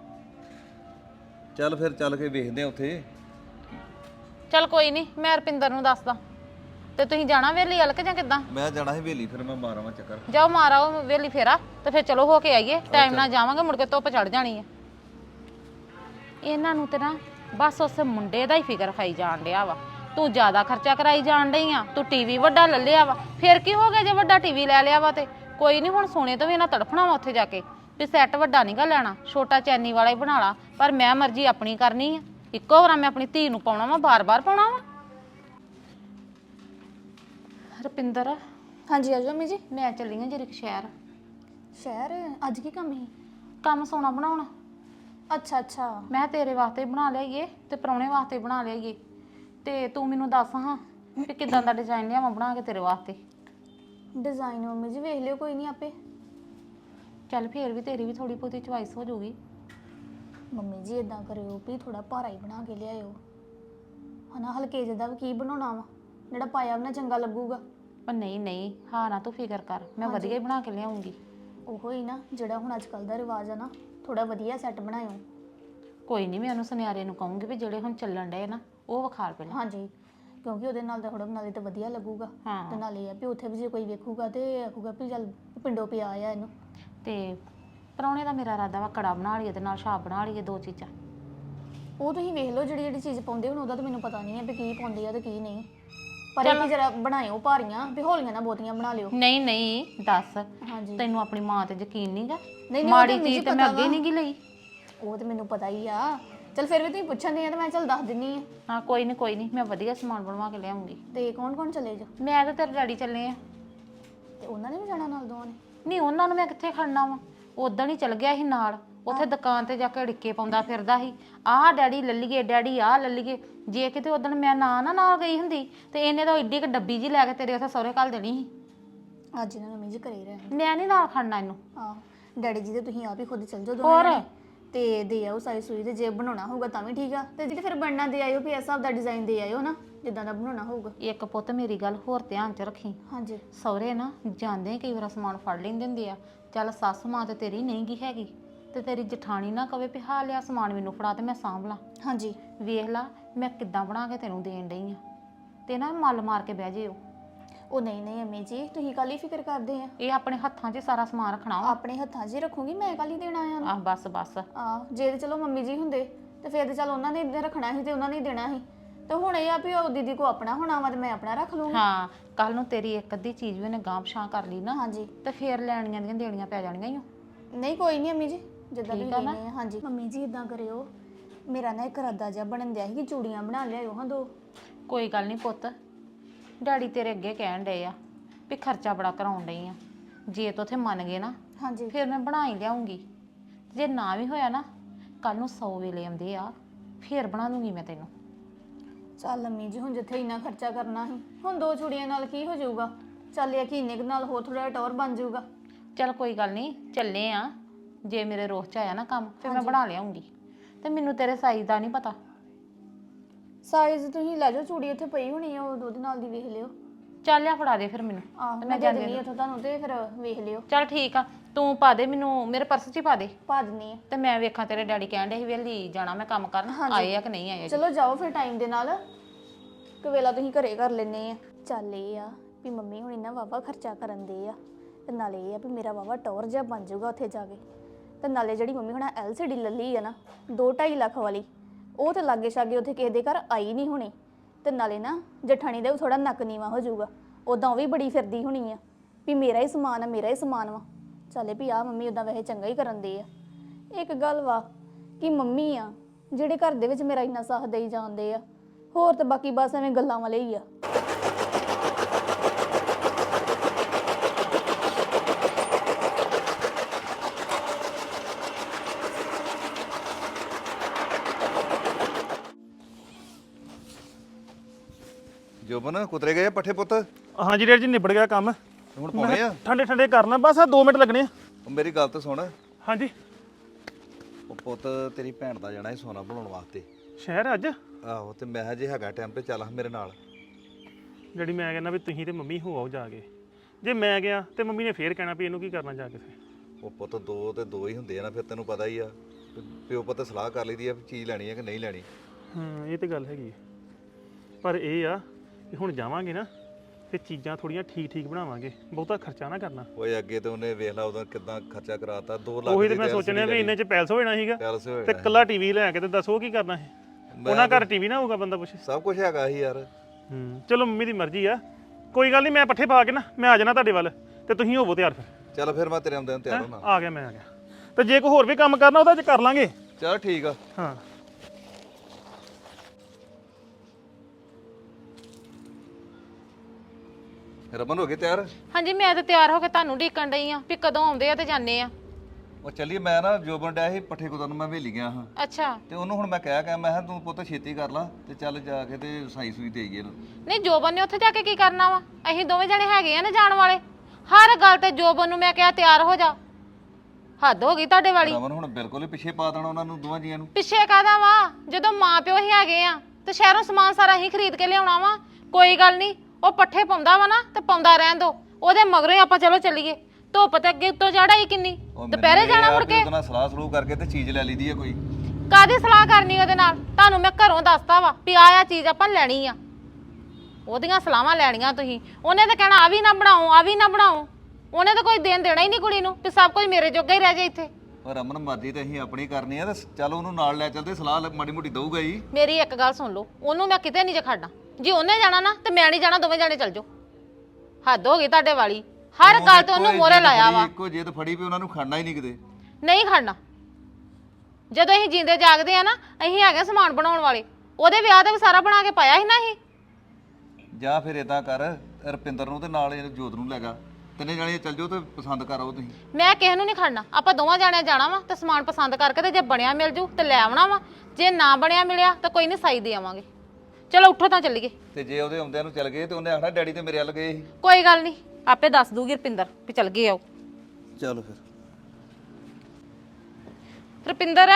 B: ਚੱਲ ਫਿਰ ਚੱਲ ਕੇ ਵੇਖਦੇ ਆ ਉੱਥੇ।
A: ਚੱਲ ਕੋਈ ਨਹੀਂ ਮੈਂ ਰਪਿੰਦਰ ਨੂੰ ਦੱਸਦਾ। ਤੇ ਤੁਸੀਂ ਜਾਣਾ ਵੇਲੀ ਹਲ ਕੇ ਜਾਂ ਕਿੱਦਾਂ?
B: ਮੈਂ ਜਾਣਾ ਸੀ ਹਵੇਲੀ, ਫਿਰ ਮੈਂ ਮਾਰਾਂਵਾ ਚੱਕਰ।
A: ਜਾਓ ਮਾਰ ਆਓ ਵੇਲੀ ਫੇਰਾ ਤੇ ਫਿਰ ਚਲੋ ਹੋ ਕੇ ਆਈਏ। ਟਾਈਮ ਨਾਲ ਜਾਵਾਂਗੇ, ਮੁੜ ਕੇ ਧੁੱਪ ਚੜ ਜਾਣੀ ਹੈ। ਇਹਨਾਂ ਨੂੰ ਤੇ ਨਾ ਬਸ ਉਸ ਮੁੰਡੇ ਦਾ ਹੀ ਫਿਕਰ ਖਾਈ ਜਾਣ ਡਿਆ ਵਾ। ਤੂੰ ਜ਼ਿਆਦਾ ਖਰਚਾ ਕਰਾਈ ਜਾਣ ਡਈ ਆ, ਤੂੰ ਟੀਵੀ ਵੱਡਾ ਲੈ ਲਿਆ ਵਾ। ਫਿਰ ਕੀ ਹੋ ਗਿਆ ਜੇ ਵੱਡਾ ਟੀਵੀ ਲੈ ਲਿਆ ਵਾ ਤੇ? ਕੋਈ ਨਹੀਂ, ਹੁਣ ਸੋਨੇ ਤੋਂ ਵੀ ਇਹਨਾਂ ਤੜਫਣਾ ਵਾ ਉੱਥੇ ਜਾ ਕੇ ਵੀ ਸੈੱਟ ਵੱਡਾ ਨਹੀਂਗਾ ਲੈਣਾ, ਛੋਟਾ ਚੈਨੀ ਵਾਲਾ ਹੀ ਬਣਾ ਲਾ। ਪਰ ਮੈਂ ਮਰਜ਼ੀ ਆਪਣੀ ਕਰਨੀ ਆ। ਇੱਕੋ ਵਾਰ ਮੈਂ ਆਪਣੀ ਧੀ ਨੂੰ ਪਾਉਣਾ ਵਾ, ਬਾਰ-ਬਾਰ ਪਾਉਣਾ ਵਾ। ਰੁਪਿੰਦਰ,
D: ਹਾਂਜੀ ਆਜੋ ਮੰਮੀ ਜੀ।
A: ਮੈਂ ਚੱਲੀ ਆ ਜਰੀ ਸ਼ਹਿਰ।
D: ਸ਼ਹਿਰ ਅੱਜ ਕੀ ਕੰਮ ਸੀ?
A: ਕੰਮ ਸੋਨਾ ਬਣਾਉਣਾ।
D: ਅੱਛਾ ਅੱਛਾ।
A: ਮੈਂ ਤੇਰੇ ਵਾਸਤੇ ਬਣਾ ਲਿਆਈਏ ਤੇ ਪ੍ਰਾਹੁਣੇ ਵਾਸਤੇ ਬਣਾ ਲਿਆਈਏ। ਤੇ ਤੂੰ ਮੈਨੂੰ ਦੱਸ ਹਾਂ ਵੀ ਕਿੱਦਾਂ ਦਾ ਡਿਜ਼ਾਈਨ ਲਿਆਵਾਂ ਬਣਾ ਕੇ ਤੇਰੇ ਵਾਸਤੇ।
D: ਡਿਜ਼ਾਈਨ ਮੰਮੀ ਜੀ ਵੇਖ ਲਿਓ, ਕੋਈ ਨਹੀਂ ਆਪੇ।
A: ਚੱਲ ਫੇਰ ਵੀ ਤੇਰੀ ਵੀ ਥੋੜੀ ਬਹੁਤੀ ਚੁਆਇਸ ਹੋ ਜਾਊਗੀ।
D: ਮੰਮੀ ਜੀ ਇਦਾਂ ਕਰਿਓ ਵੀ ਥੋੜਾ ਭਾਰਾ ਹੀ ਬਣਾ ਕੇ ਲਿਆਇਓ, ਹਨਾ। ਹਲਕੇ ਜਿਹੇ ਦਾ ਵੀ ਕੀ ਬਣਾਉਣਾ ਵਾ, ਜਿਹੜਾ ਪਾਇਆ ਵੀ ਨਾ ਚੰਗਾ ਲੱਗੂਗਾ।
A: ਪਰ ਨਹੀਂ ਨਹੀਂ, ਹਾਂ ਨਾ ਤੂੰ ਫਿਕਰ ਕਰ, ਮੈਂ ਵਧੀਆ ਹੀ ਬਣਾ ਕੇ ਲਿਆਉਂਗੀ।
D: ਉਹੋ ਹੀ ਨਾ, ਜਿਹੜਾ ਹੁਣ ਅੱਜ ਕੱਲ ਦਾ ਰਿਵਾਜ ਆ ਨਾ, ਥੋੜਾ ਵਧੀਆ ਸੈੱਟ ਬਣਾਇਓ।
A: ਕੋਈ ਨਹੀਂ, ਮੈਂ ਉਹਨੂੰ ਸੁਨਿਆਰੇ ਨੂੰ ਕਹੂੰਗੀ ਵੀ ਜਿਹੜੇ ਹੁਣ ਚੱਲਣ ਡਏ ਨਾ ਉਹ ਵਿਖਾਲ ਪਹਿਲਾਂ।
D: ਹਾਂਜੀ, ਕਿਉਂਕਿ ਉਹਦੇ ਨਾਲ ਤਾਂ ਥੋੜਾ ਨਾਲੇ ਤਾਂ ਵਧੀਆ ਲੱਗੂਗਾ।
A: ਹਾਂ।
D: ਤੇ ਨਾਲੇ ਆ ਵੀ ਉੱਥੇ ਵੀ ਜੇ ਕੋਈ ਵੇਖੂਗਾ ਤੇ ਆਖੂਗਾ ਵੀ ਚੱਲ ਪਿੰਡੋਂ ਪਿਆ ਆ ਇਹਨੂੰ।
A: ਤੇ ਪ੍ਰਾਹੁਣੇ ਦਾ ਮੇਰਾ ਇਰਾਦਾ ਵਾ ਕੜਾ ਬਣਾ ਲਈਏ ਤੇ ਨਾਲ ਛਾਪ ਬਣਾ ਲਈਏ, ਦੋ ਚੀਜ਼ਾਂ।
D: ਉਹ ਤੁਸੀਂ ਵੇਖ ਲਓ, ਜਿਹੜੀ ਜਿਹੜੀ ਚੀਜ਼ ਪਾਉਂਦੇ ਹੁਣ ਉਹਦਾ ਤਾਂ ਮੈਨੂੰ ਪਤਾ ਨਹੀਂ ਹੈ ਵੀ ਕੀ ਪਾਉਂਦੇ ਆ ਤੇ ਕੀ ਨਹੀਂ। ਪਰ ਇਹ ਜਰਾ ਬਣਾਇਓ ਭਾਰੀਆਂ, ਵੀ ਹੌਲੀਆਂ ਨਾ ਬਹੁਤੀਆਂ ਬਣਾ ਲਿਓ।
A: ਨਹੀਂ ਨਹੀਂ, ਦੱਸ
D: ਹਾਂਜੀ।
A: ਤੈਨੂੰ ਆਪਣੀ ਮਾਂ ਤੇ ਯਕੀਨ ਨਹੀਂਗਾ?
D: ਨਹੀਂ,
A: ਮਾੜੀ ਚੀਜ਼ ਤੇ ਮੈਂ ਅੱਗੇ ਨਹੀਂ ਗੀ ਲਈ।
D: ਉਹ ਤੇ ਮੈਨੂੰ ਪਤਾ ਹੀ ਆ। ਚਲ ਫਿਰ ਵੀ ਤੁਸੀਂ ਪੁੱਛਣਦੇ ਆ ਤਾਂ ਮੈਂ ਚੱਲ ਦੱਸ ਦਿੰਨੀ ਆ।
A: ਹਾਂ ਕੋਈ ਨਹੀਂ ਕੋਈ ਨਹੀਂ, ਮੈਂ ਵਧੀਆ ਸਮਾਨ ਬਣਵਾ ਕੇ ਲਿਆਉਂਗੀ।
D: ਤੇ ਕੌਣ ਕੌਣ ਚਲੇ ਜੋ?
A: ਮੈਂ ਤੇ ਤੇਰੇ ਡੈਡੀ ਚੱਲੇ ਆ।
D: ਤੇ ਉਹਨਾਂ ਨੇ ਵੀ ਜਾਣਾ ਨਾਲ ਦੋਵਾਂ ਨੇ?
A: ਨਹੀਂ, ਉਹਨਾਂ ਨੂੰ ਮੈਂ ਕਿੱਥੇ ਖੜਨਾ ਵਾ, ਉਦੋਂ ਹੀ ਚਲ ਗਿਆ ਸੀ ਨਾਲ। ਉੱਥੇ ਦੁਕਾਨ ਤੇ ਜਾ ਕੇ ਢਿੱਕੇ ਪਾਉਂਦਾ ਫਿਰਦਾ ਸੀ, ਆਹ ਡੈਡੀ ਲੱਲੀਏ, ਡੈਡੀ ਆਹ ਲੱਲੀਏ। ਜੇ ਕਿਤੇ ਉਦੋਂ ਮੈਂ ਨਾ ਨਾਲ ਗਈ ਹੁੰਦੀ ਤੇ ਇਹਨੇ ਤਾਂ ਏਡੀ ਕ ਡੱਬੀ ਜੀ ਲੈ ਕੇ ਤੇਰੇ ਉੱਥੇ ਸਹੁਰੇ ਘੱਲ ਦੇਣੀ ਸੀ।
D: ਅੱਜ ਇਹਨਾਂ ਮੰਮੀ ਜੀ ਘਰੇ ਰਹਿਣ।
A: ਮੈਂ ਨਹੀਂ ਨਾਲ ਖੜਨਾ ਇਹਨੂੰ।
D: ਆਹ ਡੈਡੀ ਜੀ ਤੇ ਤੁਸੀਂ ਆਪ ਹੀ ਖੁਦ ਚੱਲ ਜਾਓ
A: ਹੋਰ?
D: ਦੋਵੇਂ ਤੇ ਦੇ ਆਓ ਸਾਈ ਸੂਈ, ਤੇ ਜੇ ਬਣਾਉਣਾ ਹੋਊਗਾ ਤਾਂ ਵੀ ਠੀਕ ਆ। ਤੇ ਜਿਹੜੇ ਫਿਰ ਬਣਨਾ ਦੇ ਆਇਓ ਵੀ ਇਸ ਹਿਸਾਬ ਦਾ ਡਿਜ਼ਾਈਨ ਦੇ ਆਇਓ ਨਾ, ਜਿੱਦਾਂ ਦਾ ਬਣਾਉਣਾ ਹੋਊਗਾ।
A: ਇੱਕ ਪੁੱਤ ਮੇਰੀ ਗੱਲ ਹੋਰ ਧਿਆਨ 'ਚ ਰੱਖੀ।
D: ਹਾਂਜੀ।
A: ਸਹੁਰੇ ਨਾ ਜਾਂਦੇ ਕਈ ਵਾਰ ਸਮਾਨ ਫੜ ਲੈਂਦੇ ਹੁੰਦੇ ਆ। ਚੱਲ ਸੱਸ ਮਾਂ ਤੇ ਤੇਰੀ ਨਹੀਂ ਗੀ ਹੈਗੀ, ਤੇ ਤੇਰੀ ਜਠਾਣੀ ਨਾ ਕਵੇ ਵੀ ਹਾਂ ਲਿਆ ਸਮਾਨ ਮੈਨੂੰ ਫੜਾ ਤੇ ਮੈਂ ਸਾਂਭ ਲਾਂ।
D: ਹਾਂਜੀ।
A: ਵੇਖ ਲਾ ਮੈਂ ਕਿੱਦਾਂ ਬਣਾ ਕੇ ਤੈਨੂੰ ਦੇਣ ਡਈ ਆ, ਤੇ ਨਾ ਮੱਲ ਮਾਰ ਕੇ ਬਹਿ ਜਿਓ।
D: ਉਹ ਨਹੀਂ ਨਹੀਂ ਅੰਮੀ ਜੀ, ਤੁਸੀਂ ਕੱਲ ਹੀ ਫਿਕਰ ਕਰਦੇ ਆ।
A: ਇਹ ਆਪਣੇ ਹੱਥਾਂ 'ਚ ਸਾਰਾ ਸਮਾਨ ਰੱਖਣਾ ਵਾ।
D: ਆਪਣੇ ਹੱਥਾਂ 'ਚ ਹੀ ਰੱਖੂਗੀ, ਮੈਂ ਕੱਲ ਹੀ ਦੇਣਾ ਆ।
A: ਆਹ ਬਸ ਬਸ।
D: ਜੇ ਤੇ ਚਲੋ ਮੰਮੀ ਜੀ ਹੁੰਦੇ ਤੇ ਫਿਰ ਤੇ ਚਲ ਉਹਨਾਂ ਨੇ ਰੱਖਣਾ ਸੀ ਤੇ ਉਹਨਾਂ ਨੇ ਦੇਣਾ ਸੀ। ਤੇ ਹੁਣ ਇਹ ਆ ਵੀ ਉਹ ਦੀਦੀ ਕੋ ਆਪਣਾ ਹੋਣਾ ਵਾ ਤੇ ਮੈਂ ਆਪਣਾ ਰੱਖ ਲੂੰਗੀ।
A: ਹਾਂ, ਕੱਲ ਨੂੰ ਤੇਰੀ ਇੱਕ ਅੱਧੀ ਚੀਜ਼ ਵੀ ਉਹਨੇ ਗਾਂਹ ਪਛਾਂ ਕਰ ਲਈ ਨਾ,
D: ਹਾਂਜੀ।
A: ਤੇ ਫੇਰ ਲੈਣੀਆਂ ਦੀਆਂ ਦੇਣੀਆਂ ਪੈ ਜਾਣੀਆਂ ਈ ਓ।
D: ਨਹੀਂ ਕੋਈ ਨਹੀਂ ਅੰਮੀ ਜੀ, ਜਿੱਦਾਂ ਤੁਸੀਂ
A: ਠੀਕ ਆ ਨਾ?
D: ਕਹਿੰਦੇ ਆ। ਹਾਂਜੀ ਮੰਮੀ ਜੀ ਇਦਾਂ ਕਰਿਓ, ਮੇਰਾ ਨਾ ਇੱਕ ਇਰਾਦਾ ਜਿਹਾ ਬਣਨ ਦਿਆ ਸੀ ਕਿ ਚੂੜੀਆਂ ਬਣਾ ਲਿਆਇਓ ਹਾਂ ਦੋ।
A: ਕੋਈ ਗੱਲ ਨਹੀਂ ਪੁੱਤ, ਡੈਡੀ ਤੇਰੇ ਅੱਗੇ ਕਹਿਣ ਡਏ ਆ ਵੀ ਖਰਚਾ ਬੜਾ ਕਰਾਉਣ ਡਈ ਆ। ਜੇ ਤੂੰ ਉੱਥੇ ਮੰਨ ਗਏ ਨਾ
D: ਹਾਂਜੀ।
A: ਫਿਰ ਮੈਂ ਬਣਾ ਹੀ ਲਿਆਉਂਗੀ। ਜੇ ਨਾ ਵੀ ਹੋਇਆ ਨਾ, ਕੱਲ ਨੂੰ 100 ਵੇਲੇ ਆਉਂਦੇ ਆ, ਫੇਰ ਬਣਾ ਦੂੰਗੀ ਮੈਂ ਤੈਨੂੰ।
D: ਚੱਲ ਅੰਮੀ ਜੀ, ਹੁਣ ਜਿੱਥੇ ਇੰਨਾ ਖਰਚਾ ਕਰਨਾ ਸੀ, ਹੁਣ ਦੋ ਚੂੜੀਆਂ ਨਾਲ ਕੀ ਹੋ ਜਾਊਗਾ? ਚੱਲ ਇਹ ਕਿ ਇੰਨੇ ਕੁ ਨਾਲ ਹੋਰ ਥੋੜਾ ਟੌਰ ਬਣ ਜਾਊਗਾ।
A: ਚੱਲ ਕੋਈ ਗੱਲ ਨਹੀਂ, ਚੱਲੇ ਆ। ਜੇ ਮੇਰੇ ਰੋਹ 'ਚ ਆਇਆ ਨਾ ਕੰਮ, ਫਿਰ ਮੈਂ ਬਣਾ ਲਿਆਉਂਗੀ। ਤੇ ਮੈਨੂੰ ਤੇਰੇ ਸਾਈਜ਼ ਦਾ ਨਹੀਂ ਪਤਾ।
D: ਸਾਈਜ਼ ਤੁਸੀਂ ਲੈ ਜਾਓ, ਚੂੜੀ ਉੱਥੇ ਪਈ ਹੋਣੀ ਆ, ਉਹ ਉਹਦੇ ਨਾਲ ਦੀ ਵੇਖ ਲਿਓ।
A: ਚੱਲ ਆ ਫੜਾ ਦੇ ਫਿਰ ਮੈਨੂੰ।
D: ਆਹ ਮੈਂ ਦੇ ਦਿੰਦੀ ਉੱਥੋਂ ਤੁਹਾਨੂੰ, ਤੇ ਫਿਰ ਵੇਖ ਲਿਓ।
A: ਚੱਲ ਠੀਕ ਆ, ਤੂੰ ਪਾ ਦੇ ਮੈਨੂੰ, ਮੇਰੇ ਪਰਸ 'ਚ ਹੀ ਪਾ ਦੇ।
D: ਪਾ ਦਿੰਨੀ ਆ।
A: ਤੇ ਮੈਂ ਵੇਖਾਂ ਤੇਰੇ ਡੈਡੀ ਕਹਿਣ ਡੇ ਸੀ ਵੇਲੀ ਜਾਣਾ ਮੈਂ ਕੰਮ ਕਰਨ, ਆਏ ਆ ਕਿ ਨਹੀਂ ਆਏ।
D: ਚਲੋ ਜਾਓ ਫਿਰ ਟਾਈਮ ਦੇ ਨਾਲ, ਕਵੇਲਾ ਤੁਸੀਂ ਘਰੇ ਕਰ ਲੈਨੇ ਆ। ਚੱਲ ਇਹ ਆ ਵੀ ਮੰਮੀ ਹੁਣ ਇਹਨਾਂ ਵਾਵਾ ਖਰਚਾ ਕਰਨ ਦੇ ਆ, ਤੇ ਨਾਲੇ ਇਹ ਆ ਵੀ ਮੇਰਾ ਵਾਵਾ ਟੌਰ ਜਿਹਾ ਬਣ ਜਾਊਗਾ ਉੱਥੇ ਜਾ ਕੇ। ਤੇ ਨਾਲੇ ਜਿਹੜੀ ਮੰਮੀ ਹੁਣ LCD ਲੱਲੀ ਆ ਨਾ 2-2.5 ਲੱਖ ਵਾਲੀ, ਉਹ ਤੇ ਲਾਗੇ ਛਾਗੇ ਉੱਥੇ ਕਿਸੇ ਦੇ ਘਰ ਆਈ ਨਹੀਂ ਹੋਣੀ। ਤੇ ਨਾਲੇ ਨਾ ਜਠਾਣੀ ਦਾ ਵੀ ਥੋੜਾ ਨੱਕ ਨੀਵਾ ਹੋ ਜਾਊਗਾ। ਉਦਾਂ ਉਹ ਵੀ ਬੜੀ ਫਿਰਦੀ ਹੋਣੀ ਆ ਵੀ ਮੇਰਾ ਹੀ ਸਮਾਨ ਆ, ਮੇਰਾ ਹੀ ਸਮਾਨ ਵਾ। ਚੱਲੇ ਵੀ ਆ ਮੰਮੀ ਉਦਾਂ ਵੈਸੇ ਚੰਗਾ ਹੀ ਕਰਨ ਦੇ ਆ। ਇੱਕ ਗੱਲ ਵਾ ਕਿ ਮੰਮੀ ਆ ਜਿਹੜੇ ਘਰ ਦੇ ਵਿੱਚ ਮੇਰਾ ਇੰਨਾ ਸਾਥ ਦੇਈ ਜਾਂਦੇ ਆ, ਹੋਰ ਤਾਂ ਬਾਕੀ ਬਸ ਐਵੇਂ ਗੱਲਾਂ ਵਾਲੇ ਹੀ ਆ।
B: ਜੋਬਨ ਕੁਤਰੇ ਗਏ ਆ ਪੱਠੇ ਪੁੱਤ?
C: ਹਾਂਜੀ ਡੈਡੀ ਜੀ ਨਿਬੜ ਗਿਆ ਕੰਮ।
B: ਹੁਣ ਪਾਉਣੇ ਆ?
C: ਠੰਡੇ ਠੰਡੇ ਕਰਨਾ ਬਸ, ਆ 2 ਮਿੰਟ ਲੱਗਣੇ ਆ।
B: ਉਹ ਮੇਰੀ ਗੱਲ ਤਾਂ ਸੁਣ।
C: ਹਾਂਜੀ।
B: ਉਹ ਪੁੱਤ ਤੇਰੀ ਭੈਣ ਦਾ ਜਾਣਾ ਸੀ ਸੋਨਾ ਬਣਾਉਣ ਵਾਸਤੇ
C: ਸ਼ਹਿਰ ਅੱਜ?
B: ਆਹੋ, ਤੇ ਮੈਂ ਕਿਹਾ ਜੇ ਹੈਗਾ ਟਾਈਮ ਤੇ ਚੱਲ ਮੇਰੇ ਨਾਲ।
C: ਡੈਡੀ ਮੈਂ ਕਹਿੰਦਾ ਵੀ ਤੁਸੀਂ ਤੇ ਮੰਮੀ ਹੋ ਆਓ ਜਾ ਕੇ। ਜੇ ਮੈਂ ਗਿਆ ਤੇ ਮੰਮੀ ਨੇ ਫੇਰ ਕਹਿਣਾ ਵੀ ਇਹਨੂੰ ਕੀ ਕਰਨਾ ਜਾ ਕੇ।
B: ਉਹ ਪੁੱਤ ਦੋ ਤੇ ਦੋ ਹੀ ਹੁੰਦੇ ਆ ਨਾ, ਫਿਰ ਤੈਨੂੰ ਪਤਾ ਹੀ ਆ ਪਿਓ ਪੁੱਤ ਸਲਾਹ ਕਰ ਲਈਦੀ ਆ ਵੀ ਚੀਜ਼ ਲੈਣੀ ਆ ਕਿ ਨਹੀਂ ਲੈਣੀ।
C: ਇਹ ਤੇ ਗੱਲ ਹੈਗੀ, ਪਰ ਇਹ ਆ ਕਿ ਹੁਣ ਜਾਵਾਂਗੇ ਨਾ ਤੇ ਚੀਜ਼ਾਂ ਥੋੜੀਆਂ ਠੀਕ ਬਣਾਵਾਂਗੇ, ਬਹੁਤਾ ਖਰਚਾ ਨਾ ਕਰਨਾ।
B: ਓਏ ਅੱਗੇ ਤੇ ਉਹਨੇ ਵੇਖ ਲਾ ਉਦੋਂ ਕਿਦਾਂ ਖਰਚਾ ਕਰਾਤਾ 2 ਲੱਖ
C: ਉਹੀ ਤੇ ਮੈਂ ਸੋਚਣਿਆ ਵੀ ਇੰਨੇ ਚ ਪੈਲਸ ਹੋ ਜਾਣਾ ਸੀਗਾ
B: ਪੈਲਸ
C: ਤੇ
B: ਹੋਇਆ
C: ਕੱਲਾ ਟੀਵੀ ਲੈ ਕੇ ਤੇ ਦੱਸੋ ਕੀ ਕਰਨਾ ਹੈ। ਉਹਨਾਂ ਘਰ ਟੀਵੀ ਨਾ ਹੋਊਗਾ ਬੰਦਾ ਪੁੱਛੇ।
B: ਸਭ ਕੁਝ ਹੈਗਾ ਸੀ ਯਾਰ।
C: ਚਲੋ ਮੰਮੀ ਦੀ ਮਰਜ਼ੀ ਆ, ਕੋਈ ਗੱਲ ਨਹੀਂ, ਮੈਂ ਪੱਠੇ ਪਾ ਕੇ ਨਾ ਮੈਂ ਆ ਜਾਣਾ ਤੁਹਾਡੇ ਵੱਲ ਤੇ ਤੁਸੀਂ ਹੋਵੋ ਤਿਆਰ ਫਿਰ।
B: ਚੱਲ ਫਿਰ ਮੈਂ ਤੇਰੇ ਆਉਂਦਿਆਂ ਨੂੰ ਤਿਆਰ ਹੋਣਾ।
C: ਆ ਗਿਆ ਮੈਂ ਆ ਗਿਆ, ਤੇ ਜੇ ਕੋਈ ਹੋਰ ਵੀ ਕੰਮ ਕਰਨਾ ਉਹਦਾ ਚ ਕਰ ਲਾਂਗੇ।
B: ਚਲ ਠੀਕ ਆ।
C: ਹਾਂ
B: ਰਮਨ ਹੋ ਗਏ ਤਿਆਰ?
A: ਹਾਂਜੀ ਮੈਂ ਤਾਂ ਤਿਆਰ ਹੋ ਕੇ ਤੁਹਾਨੂੰ ਢੀਕਣ ਡਈ ਆ ਵੀ ਕਦੋਂ ਆਉਂਦੇ ਆ ਤੇ ਜਾਂਦੇ ਆ।
B: ਉਹ ਚੱਲੀਏ, ਮੈਂ ਨਾ ਜੋਬਨ ਡਿਆ ਸੀ ਪੱਠੇ ਕੁਤਰਨ, ਮੈਂ ਵੇਲੀ ਗਿਆ ਹਾਂ
A: ਅੱਛਾ
B: ਤੇ ਉਹਨੂੰ ਹੁਣ ਮੈਂ ਕਿਹਾ ਮੈਂ ਕਿਹਾ ਤੂੰ ਪੁੱਤ ਛੇਤੀ ਕਰ ਲਾ ਤੇ ਚੱਲ ਜਾ ਕੇ ਤੇ ਸਾਈ ਸੂਈ ਦੇਈਏ ਇਹਨੂੰ।
A: ਨਹੀਂ ਜੋਬਨ ਨੇ ਉੱਥੇ ਜਾ ਕੇ ਕੀ ਕਰਨਾ ਵਾ? ਅਸੀਂ ਦੋਵੇਂ ਜਣੇ ਹੈਗੇ ਆ ਨਾ ਜਾਣ ਵਾਲੇ। ਹਰ ਗੱਲ ਤੇ ਜੋਬਨ ਨੂੰ ਮੈਂ ਕਿਹਾ ਤਿਆਰ ਹੋ ਜਾ। ਹੱਦ ਹੋ ਗਈ ਤੁਹਾਡੇ ਵਾਲੀ।
B: ਰਮਨ ਹੁਣ ਬਿਲਕੁਲ ਹੀ ਪਿੱਛੇ ਪਾ ਦੇਣਾ ਉਹਨਾਂ ਨੂੰ ਦੋਵਾਂ ਜੀਆਂ ਨੂੰ।
A: ਪਿੱਛੇ ਕਾਹਦਾ ਵਾ? ਜਦੋਂ ਮਾਂ ਪਿਓ ਹੀ ਹੈਗੇ ਆ ਤੇ ਸ਼ਹਿਰੋਂ ਸਮਾਨ ਸਾਰਾ ਹੀ ਖਰੀਦ ਕੇ ਲਿਆਉਣਾ ਵਾ। ਕੋਈ ਗੱਲ ਨਹੀਂ, ਉਹ ਪੱਠੇ ਪਾਉਂਦਾ ਵਾ ਨਾ ਤੇ ਪਾਉਂਦਾ ਰਹਿਣ ਦੋ, ਉਹਦੇ ਮਗਰੋਂ ਹੀ ਆਪਾਂ ਚਲੋ ਚੱਲੀਏ। ਧੁੱਪ ਤੇ ਅੱਗੇ ਉੱਤੋਂ ਚੜਾਈ ਕਿੰਨੀ, ਦੁਪਹਿਰੇ ਜਾਣਾ ਮੁੜ ਕੇ।
B: ਉਹਦੇ ਨਾਲ ਸਲਾਹ ਸਲੂਹ ਕਰਕੇ ਤੇ ਚੀਜ਼ ਲੈ ਲਈਦੀ ਆ ਕੋਈ।
A: ਕਾਦੀ ਸਲਾਹ ਕਰਨੀ ਉਹਦੇ ਨਾਲ? ਤੁਹਾਨੂੰ ਮੈਂ ਘਰੋਂ ਦੱਸਤਾ ਵਾ ਵੀ ਆਹ ਚੀਜ਼ ਆਪਾਂ ਲੈਣੀ ਆ। ਉਹਦੀਆਂ ਸਲਾਹਾਂ ਲੈਣੀਆਂ ਤੁਸੀਂ। ਉਹਨੇ ਤਾਂ ਕਹਿਣਾ ਆ ਵੀ ਨਾ ਬਣਾਓ, ਆ ਵੀ ਨਾ ਬਣਾਓ। ਉਹਨੇ ਤਾਂ ਕੋਈ ਦੇਣ ਦੇਣਾ ਹੀ ਨਹੀਂ ਕੁੜੀ ਨੂੰ ਵੀ ਸਭ ਕੁਝ ਮੇਰੇ ਜੋਗਾ ਹੀ ਰਹਿ ਜਾਏ ਇੱਥੇ।
B: ਪਰ ਰਮਨ ਮਰਜ਼ੀ ਤੇ ਅਸੀਂ ਆਪਣੀ ਕਰਨੀ ਆ ਤੇ ਚੱਲ ਉਹਨੂੰ ਨਾਲ ਲੈ ਚੱਲਦੇ, ਸਲਾਹ ਮਾੜੀ ਮੋਟੀ ਦਊਗਾ ਹੀ।
A: ਮੇਰੀ ਇੱਕ ਗੱਲ ਸੁਣ ਲਓ, ਉਹਨੂੰ ਮੈਂ ਕਿਤੇ ਨਹੀਂ ਜੇ ਖੜਨਾ। ਜੇ ਉਹਨੇ ਜਾਣਾ ਨਾ ਤੇ ਮੈਂ ਨਹੀਂ ਜਾਣਾ, ਦੋਵੇਂ ਜਾਣੇ ਚੱਲ ਜਾਓ। ਹੱਦ ਹੋ ਗਈ ਤੁਹਾਡੇ ਵਾਲੀ। ਹਰ ਗੱਲ ਤੇ ਉਹਨੂੰ ਮੋਹਰੇ ਲਾਇਆ ਵਾ।
B: ਇੱਕੋ ਜਿੱਦ ਫੜੀ ਵੀ ਉਹਨਾਂ ਨੂੰ ਖੜਨਾ ਹੀ ਨਹੀਂ ਕਿਤੇ।
A: ਨਹੀਂ ਖੜਨਾ। ਜਦੋਂ ਅਸੀਂ ਜਿੰਦੇ ਜਾਗਦੇ ਆ ਨਾ, ਅਸੀਂ ਹੈਗੇ ਸਮਾਨ ਬਣਾਉਣ ਵਾਲੇ। ਉਹਦੇ ਵਿਆਹ ਤੇ ਵੀ ਸਾਰਾ ਬਣਾ ਕੇ ਪਾਇਆ ਸੀ ਨਾ ਅਸੀਂ।
B: ਜਾਂ ਫਿਰ ਇਦਾਂ ਕਰ, ਰਪਿੰਦਰ ਨੂੰ ਤੇ ਨਾਲ ਜੋਤ ਨੂੰ ਲੈ ਜਾ, ਤਿੰਨੇ ਜਾਣੇ ਚੱਲ ਜਾਓ ਤੇ ਪਸੰਦ ਕਰੋ ਤੁਸੀਂ।
A: ਮੈਂ ਕਿਸੇ ਨੂੰ ਨਹੀਂ ਖੜਨਾ। ਆਪਾਂ ਦੋਵਾਂ ਜਾਣਿਆਂ ਜਾਣਾ ਵਾ ਤੇ ਸਮਾਨ ਪਸੰਦ ਕਰਕੇ ਤੇ ਜੇ ਬਣਿਆ ਮਿਲ ਜੂ ਤੇ ਲੈ ਆਉਣਾ ਵਾ। ਜੇ ਨਾ ਬਣਿਆ ਮਿਲਿਆ ਤਾਂ ਕੋਈ ਨਹੀਂ, ਸਾਈ ਦੇ ਆਵਾਂਗੇ। ਚਲੋ ਉੱਠੋ ਤਾਂ ਚੱਲੀਏ।
B: ਤੇ ਜੇ ਉਹਦੇ ਆਉਂਦਿਆਂ ਨੂੰ ਚੱਲ ਗਏ ਤੇ ਉਹਨੇ ਆਖਣਾ ਡੈਡੀ ਤੇ ਮੇਰੇ ਵੱਲ ਗਏ ਸੀ।
A: ਕੋਈ ਗੱਲ ਨਹੀਂ, ਆਪੇ ਦੱਸ ਦੂਗੀ ਰਪਿੰਦਰ ਵੀ ਚੱਲ ਗਏ ਆਓ।
B: ਚਲੋ ਫਿਰ।
A: ਰਪਿੰਦਰ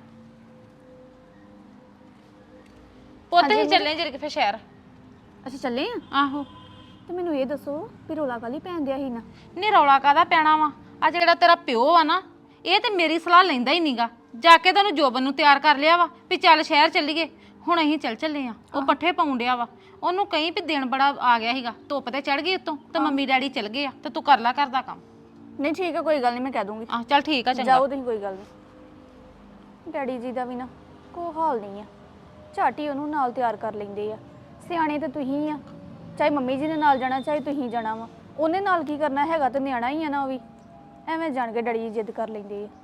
A: ਪੁੱਤ ਹੀ ਚੱਲੇ ਜਿਹੜੇ ਕਿ ਫਿਰ ਸ਼ਹਿਰ।
D: ਅਸੀਂ ਚੱਲੇ ਆ?
A: ਆਹੋ।
D: ਤੇ ਮੈਨੂੰ ਇਹ ਦੱਸੋ ਵੀ ਰੋਲਾ ਕਾਲੀ ਪੈਣ ਦਿਆ ਸੀ ਨਾ?
A: ਨਹੀਂ ਰੌਲਾ ਕਾਹਦਾ ਪੈਣਾ ਵਾ? ਆ ਜਿਹੜਾ ਤੇਰਾ ਪਿਓ ਆ ਨਾ, ਇਹ ਤੇ ਮੇਰੀ ਸਲਾਹ ਲੈਂਦਾ ਹੀ ਨਹੀਂਗਾ। ਜਾ ਕੇ ਤੈਨੂੰ ਜੋਬਨ ਨੂੰ ਤਿਆਰ ਕਰ ਲਿਆ ਵਾ ਵੀ ਚੱਲ ਸ਼ਹਿਰ ਚੱਲੀਏ। ਹੁਣ ਅਸੀਂ ਚੱਲੇ ਆ। ਉਹ ਪੱਠੇ ਪਾਉਣ ਡਿਆ ਵਾ। ਉਹਨੂੰ ਕਹੀਂ ਵੀ ਦਿਨ ਬੜਾ ਆ ਗਿਆ ਸੀਗਾ, ਧੁੱਪ ਤੇ ਚੜ ਗਈ ਉੱਤੋਂ ਤੇ ਮੰਮੀ ਡੈਡੀ ਚੱਲ ਗਏ ਆ ਤੇ ਤੂੰ ਕਰ ਲੈ ਘਰ ਦਾ ਕੰਮ।
D: ਨਹੀਂ ਠੀਕ ਆ, ਕੋਈ ਗੱਲ ਨਹੀਂ, ਮੈਂ ਕਹਿ ਦੂੰਗੀ।
A: ਆਹ ਚੱਲ ਠੀਕ ਆ, ਚੰਗਾ।
D: ਜਾਓ ਤੁਸੀਂ, ਕੋਈ ਗੱਲ ਨਹੀਂ। ਡੈਡੀ ਜੀ ਦਾ ਵੀ ਨਾ ਕੋਈ ਹਾਲ ਨਹੀਂ ਆ। ਝਾਟੀ ਉਹਨੂੰ ਨਾਲ ਤਿਆਰ ਕਰ ਲੈਂਦੇ ਆ। ਸਿਆਣੇ ਤੇ ਤੁਸੀਂ ਆ। ਚਾਹੇ ਮੰਮੀ ਜੀ ਨੇ ਨਾਲ ਜਾਣਾ, ਚਾਹੇ ਤੁਸੀਂ ਜਾਣਾ ਵਾ, ਉਹਨੇ ਨਾਲ ਕੀ ਕਰਨਾ ਹੈਗਾ? ਤੇ ਨਿਆਣਾ ਹੀ ਆ ਨਾ ਉਹ ਵੀ। ਐਵੇਂ ਜਾਣ ਕੇ ਡੈਡੀ ਜੀ ਜਿੱਦ ਕਰ ਲੈਂਦੇ ਆ।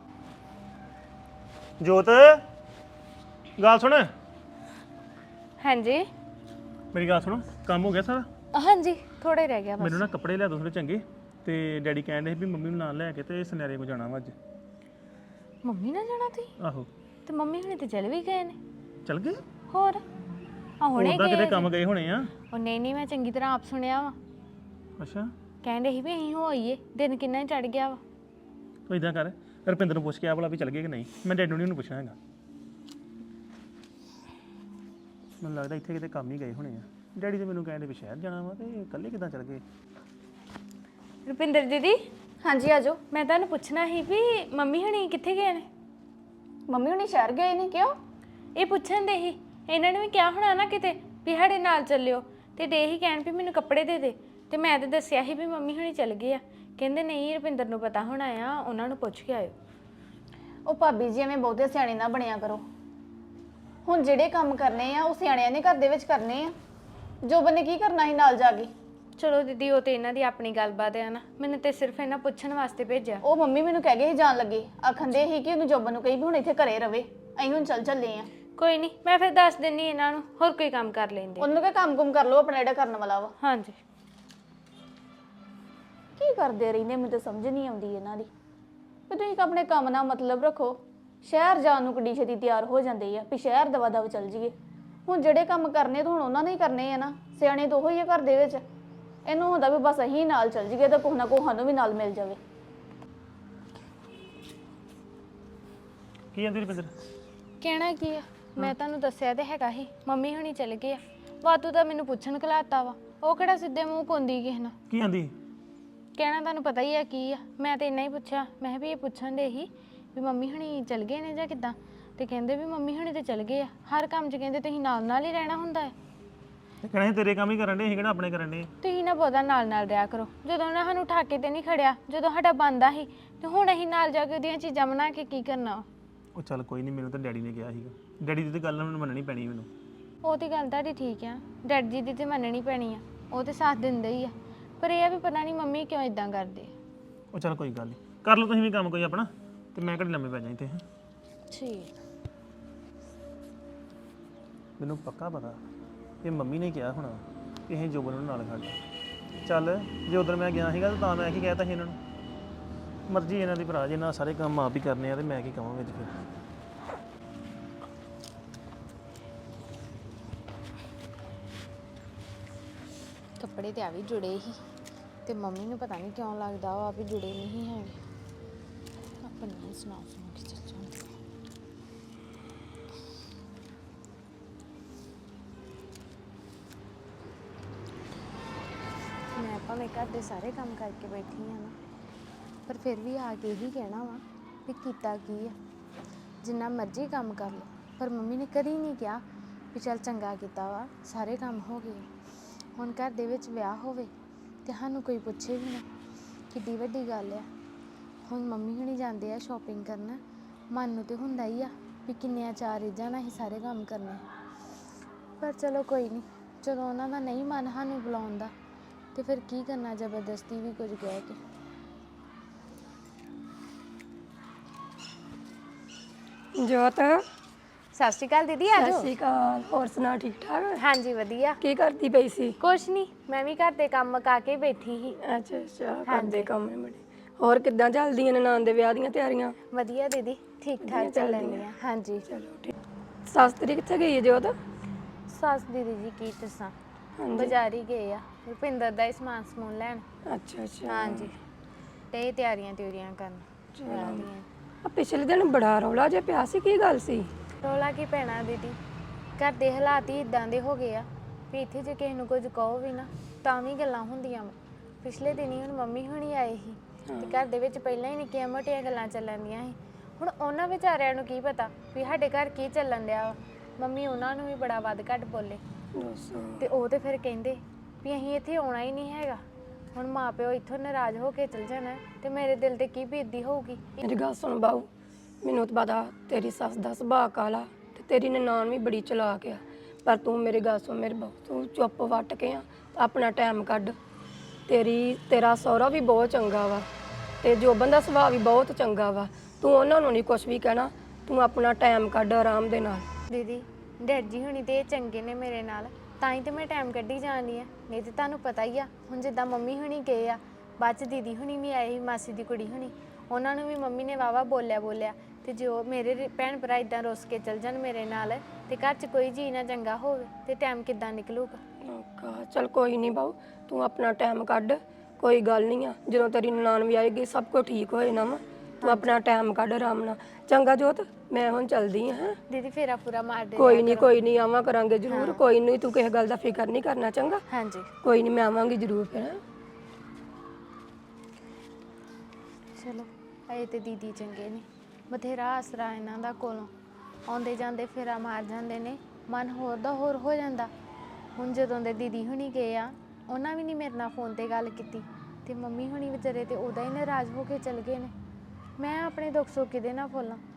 C: ਜੋਤ ਗੱਲ ਸੁਣ।
E: ਹਾਂਜੀ
C: ਮੇਰੀ ਗੱਲ ਸੁਣ, ਕੰਮ ਹੋ ਗਿਆ ਸਾਰਾ?
E: ਹਾਂਜੀ ਥੋੜਾ ਹੀ ਰਹਿ ਗਿਆ ਬਸ।
C: ਮੈਨੂੰ ਨਾ ਕੱਪੜੇ ਲਿਆ ਦੋ ਥੋੜੇ ਚੰਗੇ, ਤੇ ਡੈਡੀ ਕਹਿੰਦੇ ਸੀ ਵੀ ਮੰਮੀ ਨੂੰ ਨਾਲ ਲੈ ਕੇ ਤੇ ਸੁਨਿਆਰੇ ਕੋ ਜਾਣਾ ਵਾ ਅੱਜ।
E: ਮੰਮੀ ਨਾਲ ਜਾਣਾ ਤੁਸੀਂ?
C: ਆਹੋ।
E: ਤੇ ਮੰਮੀ ਹੁਣੇ ਤੇ ਚਲ ਵੀ ਗਏ ਨੇ।
C: ਚੱਲ ਗਏ?
E: ਹੋਰ ਆ ਹੁਣੇ
C: ਉਹਦਾ
E: ਗਏ
C: ਕਿਤੇ ਕੰਮ ਗਏ ਹੋਣੇ ਆ।
E: ਉਹ ਨਹੀਂ ਮੈਂ ਚੰਗੀ ਤਰ੍ਹਾਂ ਆਪ ਸੁਣਿਆ ਵਾ।
C: ਅੱਛਾ।
E: ਕਹਿੰਦੇ ਸੀ ਵੀ ਅਸੀਂ ਹੋ ਆਈਏ, ਦਿਨ ਕਿੰਨਾ ਚੜ ਗਿਆ ਵਾ।
C: ਤੂੰ ਇਦਾਂ ਕਰ, ਰੁਪਿੰਦਰ ਨੂੰ ਪੁੱਛ ਕੇ ਆ ਭਲਾ ਵੀ ਚੱਲ ਗਏ ਕਿ ਨਹੀਂ। ਮੈਂ ਡੈਡੀ ਨੂੰ ਪੁੱਛਣਾ ਹੈਗਾ। ਮੈਨੂੰ ਲੱਗਦਾ ਇੱਥੇ ਕਿਤੇ ਕੰਮ ਹੀ ਗਏ ਹੋਣੇ ਆ। ਡੈਡੀ ਤੇ ਮੈਨੂੰ ਕਹਿੰਦੇ ਵੀ ਸ਼ਹਿਰ ਜਾਣਾ ਵਾ ਤੇ ਇਕੱਲੇ ਕਿੱਦਾਂ ਚੱਲ ਗਏ?
E: ਰੁਪਿੰਦਰ ਦੀਦੀ,
D: ਹਾਂਜੀ ਆ ਜਾਓ।
E: ਮੈਂ ਤੁਹਾਨੂੰ ਪੁੱਛਣਾ ਸੀ ਵੀ ਮੰਮੀ ਹੁਣੀ ਕਿੱਥੇ ਗਏ ਨੇ?
D: ਮੰਮੀ ਹੁਣੀ ਸ਼ਹਿਰ ਗਏ ਨੇ। ਕਿਉਂ?
E: ਇਹ ਪੁੱਛਣ ਦੇ ਹੀ। ਇਹਨਾਂ ਨੇ ਵੀ ਕਿਹਾ ਹੋਣਾ ਨਾ ਕਿਤੇ ਵੀ ਸਾਡੇ ਨਾਲ ਚੱਲਿਓ, ਤੇ ਡੇ ਹੀ ਕਹਿਣ ਵੀ ਮੈਨੂੰ ਕੱਪੜੇ ਦੇ ਦੇ। ਤੇ ਮੈਂ ਤਾਂ ਦੱਸਿਆ ਸੀ ਵੀ ਮੰਮੀ ਹੁਣੀ ਚੱਲ ਗਏ ਆ। ਕਹਿੰਦੇ ਨਹੀਂ ਰੁਪਿੰਦਰ ਨੂੰ ਪਤਾ ਹੋਣਾ ਆ, ਉਹਨਾਂ ਨੂੰ ਪੁੱਛ ਕੇ ਆਇਓ।
D: ਉਹ ਭਾਬੀ ਜੀ ਐਵੇਂ ਬਹੁਤੇ ਸਿਆਣੇ ਨਾ ਬਣਿਆ ਕਰੋ। ਹੁਣ ਜਿਹੜੇ ਕੰਮ ਕਰਨੇ ਆ ਉਹ ਸਿਆਣਿਆਂ ਨੇ ਘਰ ਦੇ ਵਿੱਚ ਕਰਨੇ ਆ। ਜੋਬਨ ਨੇ ਕੀ ਕਰਨਾ ਸੀ ਨਾਲ ਜਾ ਕੇ?
E: ਚਲੋ ਦੀਦੀ ਉਹ ਤੇ ਇਹਨਾਂ ਦੀ ਆਪਣੀ ਗੱਲਬਾਤ ਆ ਨਾ, ਮੈਨੂੰ ਤੇ ਸਿਰਫ ਇਹਨਾਂ ਪੁੱਛਣ ਵਾਸਤੇ ਭੇਜਿਆ।
D: ਉਹ ਮੰਮੀ ਮੈਨੂੰ ਕਹਿ ਗਏ ਸੀ ਜਾਣ ਲੱਗੇ, ਆਖੰਦੇ ਸੀ ਕਿ ਉਹਨੂੰ ਜੋਬਨ ਨੂੰ ਕਹੀ ਵੀ ਹੁਣ ਇੱਥੇ ਘਰੇ ਰਵੇ, ਅਸੀਂ ਹੁਣ ਚੱਲੇ ਆ।
E: ਕੋਈ ਨਹੀਂ, ਮੈਂ ਫਿਰ ਦੱਸ ਦਿੰਨੀ ਇਹਨਾਂ ਨੂੰ, ਹੋਰ ਕੋਈ ਕੰਮ ਕਰ ਲੈਂਦੇ।
D: ਉਹਨੂੰ ਕਹੇ ਕੰਮ-ਕੁਮ ਕਰ ਲਓ ਆਪਣਾ ਜਿਹੜਾ ਕਰਨ ਵਾਲਾ ਵਾ।
E: ਹਾਂਜੀ।
D: ਕੀ ਕਰਦੇ ਰਹਿੰਦੇ, ਮੈਨੂੰ ਤਾਂ ਸਮਝ ਨਹੀਂ ਆਉਂਦੀ ਇਹਨਾਂ ਦੀ। ਵੀ ਤੁਸੀਂ ਆਪਣੇ ਕੰਮ ਨਾਲ ਮਤਲਬ ਰੱਖੋ। ਸ਼ਹਿਰ ਜਾਣ ਨੂੰ ਕਿੱਡੀ ਛੇਤੀ ਤਿਆਰ ਹੋ ਜਾਂਦੇ ਆ ਵੀ ਸ਼ਹਿਰ ਦਵਾ ਦਵ ਚੱਲ ਜੀਏ। ਹੁਣ ਜਿਹੜੇ ਕੰਮ ਕਰਨੇ ਤਾਂ ਹੁਣ ਉਹਨਾਂ ਨੇ ਹੀ ਕਰਨੇ ਆ ਨਾ। ਸਿਆਣੇ ਤਾਂ ਉਹ ਹੀ ਆ ਘਰ ਦੇ ਵਿੱਚ। ਇਹਨੂੰ ਹੁੰਦਾ ਵੀ ਬਸ ਅਸੀਂ ਨਾਲ ਚੱਲ ਜੀਏ ਤਾਂ ਕੁਛ ਨਾ ਕੁਛ ਸਾਨੂੰ ਵੀ ਨਾਲ ਮਿਲ ਜਾਵੇ।
C: ਕੀ ਕਹਿੰਦੀ ਰੁਪਿੰਦਰ?
E: ਕਹਿਣਾ ਕੀ ਆ, ਮੈਂ ਤੁਹਾਨੂੰ ਦੱਸਿਆ ਤੇ ਹੈਗਾ ਹੀ ਮੰਮੀ ਹੁਣੀ ਚਲ ਗਏ ਆ। ਵਾਤੂ ਤਾਂ ਮੈਨੂੰ ਪੁੱਛਣ ਘਲਾਤਾ ਵਾ, ਉਹ ਕਿਹੜਾ ਸਿੱਧੇ ਮੂੰਹ ਪਾਉਂਦੀ ਕਿਸੇ ਨਾਲ।
C: ਕੀ ਆਂਦੀ?
E: ਕਹਿਣਾ ਤੁਹਾਨੂੰ ਪਤਾ ਹੀ ਆ ਕੀ ਆ। ਮੈਂ ਤੇ ਇੰਨਾ ਹੀ ਪੁੱਛਿਆ, ਮੈਂ ਕਿਹਾ ਵੀ ਇਹ ਪੁੱਛਣ ਦੇ ਹੀ ਵੀ ਮੰਮੀ ਹੁਣੀ ਚਲ ਗਏ ਨੇ ਜਾਂ ਕਿੱਦਾਂ। ਤੇ ਕਹਿੰਦੇ ਵੀ ਮੰਮੀ ਹੁਣੀ ਤੇ ਚਲ ਗਏ ਆ। ਹਰ ਕੰਮ 'ਚ ਕਹਿੰਦੇ ਤੁਸੀਂ ਨਾਲ ਨਾਲ ਹੀ ਰਹਿਣਾ ਹੁੰਦਾ ਹੈ।
C: ਤੇ ਕਹਿਣਾ ਸੀ ਤੇਰੇ ਕੰਮ ਹੀ ਕਰਨ ਦੇ, ਅਸੀਂ ਕਿਹੜਾ ਆਪਣੇ ਕਰਨ ਦੇ।
E: ਤੁਸੀਂ ਨਾ ਬਹੁਤਾ ਨਾਲ ਨਾਲ ਰਿਹਾ ਕਰੋ। ਜਦੋਂ ਉਹਨਾਂ ਸਾਨੂੰ ਠਾਕੇ ਤੇ ਨਹੀਂ ਖੜਿਆ, ਜਦੋਂ ਸਾਡਾ ਬੰਦਾ ਸੀ, ਤੇ ਹੁਣ ਅਸੀਂ ਨਾਲ ਜਾ ਕੇ ਉਹਦੀਆਂ ਚੀਜ਼ਾਂ ਬਣਾ ਕੇ ਕੀ ਕਰਨਾ?
C: ਉਹ ਚੱਲ ਕੋਈ ਨਹੀਂ, ਮੈਨੂੰ ਤਾਂ ਡੈਡੀ ਨੇ ਕਿਹਾ ਸੀਗਾ। ਡੈਡੀ ਦੀ ਤਾਂ ਗੱਲ ਮੈਨੂੰ ਮੰਨਣੀ ਪੈਣੀ ਮੈਨੂੰ।
E: ਉਹ ਤੇ ਗੱਲ ਤੁਹਾਡੀ ਠੀਕ ਆ, ਡੈਡ ਜੀ ਦੀ ਤੇ ਮੰਨਣੀ ਪੈਣੀ ਆ, ਉਹ ਤੇ ਸਾਥ ਦਿੰਦੇ ਹੀ ਆ, ਪਰ ਇਹ ਆ ਵੀ ਪਤਾ ਨਹੀਂ ਮੰਮੀ ਕਿਉਂ ਇਦਾਂ ਕਰਦੇ।
C: ਉਹ ਚੱਲ ਕੋਈ ਗੱਲ ਨਹੀਂ, ਕਰ ਲਓ ਤੁਸੀਂ ਵੀ ਕੰਮ ਕੋਈ ਆਪਣਾ, ਤੇ ਮੈਂ ਘੜੀ ਲੰਮੇ ਪੈ ਜਾਈਂ ਤੇ।
E: ਠੀਕ।
C: ਮੈਨੂੰ ਪੱਕਾ ਪਤਾ ਇਹ ਮੰਮੀ ਨੇ ਕਿਹਾ ਹੋਣਾ ਕਿ ਇਹ ਜੋਬਨ ਨੂੰ ਨਾਲ ਖੜਨਾ। ਚੱਲ ਜੇ ਉਧਰ ਮੈਂ ਗਿਆ ਸੀਗਾ ਤਾਂ ਮੈਂ ਕੀ ਕਹਿਤਾ ਸੀ ਇਹਨਾਂ ਨੂੰ, ਮਰਜ਼ੀ ਇਹਨਾਂ ਦੀ ਭਰਾ, ਜੇ ਇਹਨਾਂ ਸਾਰੇ ਕੰਮ ਆਪ ਹੀ ਕਰਨੇ ਆ ਤੇ ਮੈਂ ਕੀ ਕਹਾਂ ਵਿੱਚ ਫਿਰ।
E: ਕੱਪੜੇ ਤੇ ਆ ਵੀ ਜੁੜੇ ਹੀ, ਤੇ ਮੰਮੀ ਨੂੰ ਪਤਾ ਨਹੀਂ ਕਿਉਂ ਲੱਗਦਾ ਵਾ ਵੀ ਜੁੜੇ ਨਹੀਂ ਹੈਗੇ। ਆਪਣੀ ਸੁਣਾ ਕੇ ਚੱਲ ਜਾਂਦੇ। ਮੈਂ ਭਾਵੇਂ ਘਰ ਦੇ ਸਾਰੇ ਕੰਮ ਕਰਕੇ ਬੈਠੀ ਆ ਨਾ, ਪਰ ਫਿਰ ਵੀ ਆ ਕੇ ਹੀ ਕਹਿਣਾ ਵਾ ਵੀ ਕੀਤਾ ਕੀ ਆ। ਜਿੰਨਾ ਮਰਜ਼ੀ ਕੰਮ ਕਰ ਲਓ, ਪਰ ਮੰਮੀ ਨੇ ਕਦੀ ਨਹੀਂ ਕਿਹਾ ਵੀ ਚੱਲ ਚੰਗਾ ਕੀਤਾ ਵਾ, ਸਾਰੇ ਕੰਮ ਹੋ ਗਏ। ਹੁਣ ਘਰ ਦੇ ਵਿੱਚ ਵਿਆਹ ਹੋਵੇ ਤੇ ਸਾਨੂੰ ਕੋਈ ਪੁੱਛੇ ਵੀ ਨਾ, ਕਿੱਡੀ ਵੱਡੀ ਗੱਲ ਆ। ਹੁਣ ਮੰਮੀ ਹੁਣੀ ਜਾਂਦੇ ਆ ਸ਼ਾਪਿੰਗ ਕਰਨ, ਮਨ ਨੂੰ ਤੇ ਹੁੰਦਾ ਹੀ ਆ ਵੀ ਕਿੰਨੀਆਂ ਚਾਰ ਰੀਝਾਂ ਨਾਲ ਹੀ ਸਾਰੇ ਕੰਮ ਕਰਨੇ, ਪਰ ਚਲੋ ਕੋਈ ਨਹੀਂ। ਜਦੋਂ ਉਹਨਾਂ ਦਾ ਨਹੀਂ ਮਨ ਸਾਨੂੰ ਬੁਲਾਉਣ ਦਾ, ਤੇ ਫਿਰ ਕੀ ਕਰਨਾ ਜ਼ਬਰਦਸਤੀ ਵੀ ਕੁਝ ਕਹਿ ਕੇ।
F: ਜੋਤ,
E: ਸਤਿ ਸ਼੍ਰੀ ਅਕਾਲ ਦੀਦੀ, ਆ
F: ਸਤਿ
E: ਜਾਓ।
F: ਸ਼੍ਰੀ ਅਕਾਲ। ਹੋਰ ਸੁਣਾ, ਠੀਕ ਠਾਕ?
E: ਹਾਂਜੀ ਵਧੀਆ।
F: ਕੀ ਕਰਦੀ ਪਈ ਸੀ?
E: ਕੁਛ ਨਹੀਂ, ਮੈਂ ਵੀ ਘਰ ਦੇ ਕੰਮ ਮੁਕਾ ਕੇ ਬੈਠੀ ਸੀ।
F: ਅੱਛਾ ਅੱਛਾ, ਕਰਦੇ ਕੰਮ ਨੇ ਬੜੇ। ਹੋਰ ਕਿੱਦਾਂ ਚੱਲਦੀਆਂ ਨਨਾਣ ਦੇ ਵਿਆਹ ਦੀਆਂ ਤਿਆਰੀਆਂ?
E: ਵਧੀਆ ਦੀਦੀ, ਠੀਕ ਠਾਕ ਚੱਲ ਰਹੀਆਂ। ਹਾਂਜੀ
F: ਚਲੋ ਠੀਕ। ਸੱਸ ਤੇਰੀ ਕਿੱਥੇ ਗਈ ਹੈ ਜੋਤ?
E: ਸੱਸ ਦੀਦੀ ਜੀ ਕੀ ਦੱਸਾਂ, ਬਾਜ਼ਾਰ ਹੀ ਗਏ ਆ ਰੁਪਿੰਦਰ ਦਾ ਹੀ ਸਮਾਨ ਸਮੂਨ ਲੈਣ।
F: ਅੱਛਾ ਅੱਛਾ।
E: ਹਾਂਜੀ, ਤੇ ਇਹ ਤਿਆਰੀਆਂ ਕਰਨ ਵਿਆਹ ਦੀਆਂ।
F: ਆ ਪਿਛਲੇ ਦਿਨ ਬੜਾ ਰੌਲਾ ਜਿਹਾ ਪਿਆ ਸੀ, ਕੀ ਗੱਲ ਸੀ?
E: ਰੌਲਾ ਕੀ ਪੈਣਾ ਦੀਦੀ, ਘਰ ਦੇ ਹਾਲਾਤ ਹੀ ਇਦਾਂ ਦੇ ਹੋ ਗਏ ਆ ਵੀ ਇੱਥੇ ਜੇ ਕਿਸੇ ਨੂੰ ਕੁਝ ਕਹੋ ਵੀ ਨਾ ਤਾਂ ਵੀ ਗੱਲਾਂ ਹੁੰਦੀਆਂ ਵਾ। ਪਿਛਲੇ ਦਿਨ ਹੀ ਹੁਣ ਮੰਮੀ ਹੁਣੀ ਆਏ ਸੀ, ਤੇ ਘਰ ਦੇ ਵਿੱਚ ਪਹਿਲਾਂ ਹੀ ਨਿੱਕੀਆਂ ਮੋਟੀਆਂ ਗੱਲਾਂ ਚੱਲਣ ਦੀਆਂ ਸੀ। ਹੁਣ ਉਹਨਾਂ ਵਿਚਾਰਿਆਂ ਨੂੰ ਕੀ ਪਤਾ ਵੀ ਸਾਡੇ ਘਰ ਕੀ ਚੱਲਣ ਡਿਆ ਵਾ। ਮੰਮੀ ਉਹਨਾਂ ਨੂੰ ਵੀ ਬੜਾ ਵੱਧ ਘੱਟ ਬੋਲੇ, ਤੇ ਉਹ ਤੇ ਫਿਰ ਕਹਿੰਦੇ ਵੀ ਅਸੀਂ ਇੱਥੇ ਆਉਣਾ ਹੀ ਨਹੀਂ ਹੈਗਾ। ਹੁਣ ਮਾਂ ਪਿਓ ਇੱਥੋਂ ਨਾਰਾਜ਼ ਹੋ ਕੇ ਚਲ ਜਾਣਾ, ਤੇ ਮੇਰੇ ਦਿਲ ਤੇ ਕੀ ਬੀਤਦੀ ਹੋਊਗੀ।
F: ਮੇਰੀ ਗੱਲ ਸੁਣ ਬਾਊ, ਮੈਨੂੰ ਤਾਂ ਪਤਾ ਤੇਰੀ ਸੱਸ ਦਾ ਸੁਭਾਅ ਕਾਲਾ, ਤੇ ਤੇਰੀ ਨਨਾਣ ਵੀ ਬੜੀ ਚਲਾਕ ਆ, ਪਰ ਤੂੰ ਮੇਰੀ ਗੱਲ ਸੁਣ ਮੇਰੇ ਬਾਊ, ਤੂੰ ਚੁੱਪ ਵੱਟ ਕੇ ਆ, ਆਪਣਾ ਟਾਈਮ ਕੱਢ। ਤੇਰਾ ਸਹੁਰਾ ਵੀ ਬਹੁਤ ਚੰਗਾ ਵਾ, ਤੇ ਜੋਬਨ ਦਾ ਸੁਭਾਅ ਵੀ ਬਹੁਤ ਚੰਗਾ ਵਾ। ਤੂੰ ਉਹਨਾਂ ਨੂੰ ਨਹੀਂ ਕੁਝ ਵੀ ਕਹਿਣਾ, ਤੂੰ ਆਪਣਾ ਟਾਈਮ ਕੱਢ ਆਰਾਮ ਦੇ ਨਾਲ।
E: ਦੀਦੀ ਡੈਡ ਜੀ ਹੁਣੀ ਤੇ ਚੰਗੇ ਨੇ ਮੇਰੇ ਨਾਲ, ਤਾਂ ਹੀ ਤੇ ਮੈਂ ਟਾਈਮ ਕੱਢੀ ਜਾਂਦੀ ਆ। ਨਹੀਂ ਤੇ ਤੁਹਾਨੂੰ ਪਤਾ ਹੀ ਆ, ਹੁਣ ਜਿੱਦਾਂ ਮੰਮੀ ਹੁਣੀ ਗਏ ਆ, ਬਾਅਦ ਚ ਦੀਦੀ ਹੁਣੀ ਵੀ ਆਏ ਸੀ, ਮਾਸੀ ਦੀ ਕੁੜੀ ਹੁਣੀ, ਉਹਨਾਂ ਨੂੰ ਵੀ ਮੰਮੀ ਨੇ ਵਾਵਾ ਬੋਲਿਆ। ਤੇ ਜੋ ਮੇਰੇ ਭੈਣ ਭਰਾ ਇਦਾਂ ਰੁੱਸ ਕੇ ਚਲ ਜਾਣ ਮੇਰੇ ਨਾਲ, ਤੇ ਘਰ 'ਚ ਕੋਈ ਜੀ ਨਾ ਚੰਗਾ ਹੋਵੇ, ਤੇ ਟਾਈਮ ਕਿੱਦਾਂ ਨਿਕਲੂਗਾ।
F: ਚਲ ਕੋਈ ਨਹੀਂ ਬਾਊ, ਤੂੰ ਆਪਣਾ ਟਾਈਮ ਕੱਢ, ਕੋਈ ਗੱਲ ਨਹੀਂ ਆ। ਜਦੋਂ ਤੇਰੀ ਨਨਾਣ ਵੀ ਆਏਗੀ ਸਭ ਕੁਝ ਠੀਕ ਹੋਏ ਨਾ ਵਾ, ਤੂੰ ਆਪਣਾ ਟਾਈਮ ਕੱਢ ਆਰਾਮ ਨਾਲ। ਚੰਗਾ ਜੋਤ, ਮੈਂ ਹੁਣ ਚੱਲਦੀ ਹਾਂ।
E: ਦੀਦੀ ਫੇਰਾ ਪੂਰਾ ਮਾਰ ਦੇ।
F: ਕੋਈ ਨਹੀਂ ਆਵਾਂ ਕਰਾਂਗੇ ਜ਼ਰੂਰ। ਕੋਈ ਨਹੀਂ, ਤੂੰ ਕਿਸੇ ਗੱਲ ਦਾ ਫਿਕਰ ਨਹੀਂ ਕਰਨਾ। ਚੰਗਾ,
E: ਹਾਂਜੀ
F: ਕੋਈ ਨਹੀਂ, ਮੈਂ ਆਵਾਂਗੀ ਜ਼ਰੂਰ ਫਿਰ।
E: ਚਲੋ ਆਏ ਤੇ ਦੀਦੀ ਚੰਗੇ ਨੇ, ਬਥੇਰਾ ਆਸਰਾ ਇਹਨਾਂ ਦਾ ਕੋਲੋਂ, ਆਉਂਦੇ ਜਾਂਦੇ ਫੇਰਾ ਮਾਰ ਜਾਂਦੇ ਨੇ, ਮਨ ਹੋਰ ਦਾ ਹੋਰ ਹੋ ਜਾਂਦਾ। ਹੁਣ ਜਦੋਂ ਦੇ ਦੀਦੀ ਹੁਣੀ ਗਏ ਆ, ਉਹਨਾਂ ਵੀ ਨਹੀਂ ਮੇਰੇ ਨਾਲ ਫੋਨ ਤੇ ਗੱਲ ਕੀਤੀ, ਤੇ ਮੰਮੀ ਹੁਣੀ ਵਿਚਾਰੇ ਤੇ ਉਹਦਾ ਹੀ ਨਾਰਾਜ਼ ਹੋ ਕੇ ਚਲ ਗਏ ਨੇ। ਮੈਂ ਆਪਣੇ ਦੁੱਖ ਸੁੱਖ ਕਿਹਦੇ ਨਾਲ ਫੋਲਾਂ।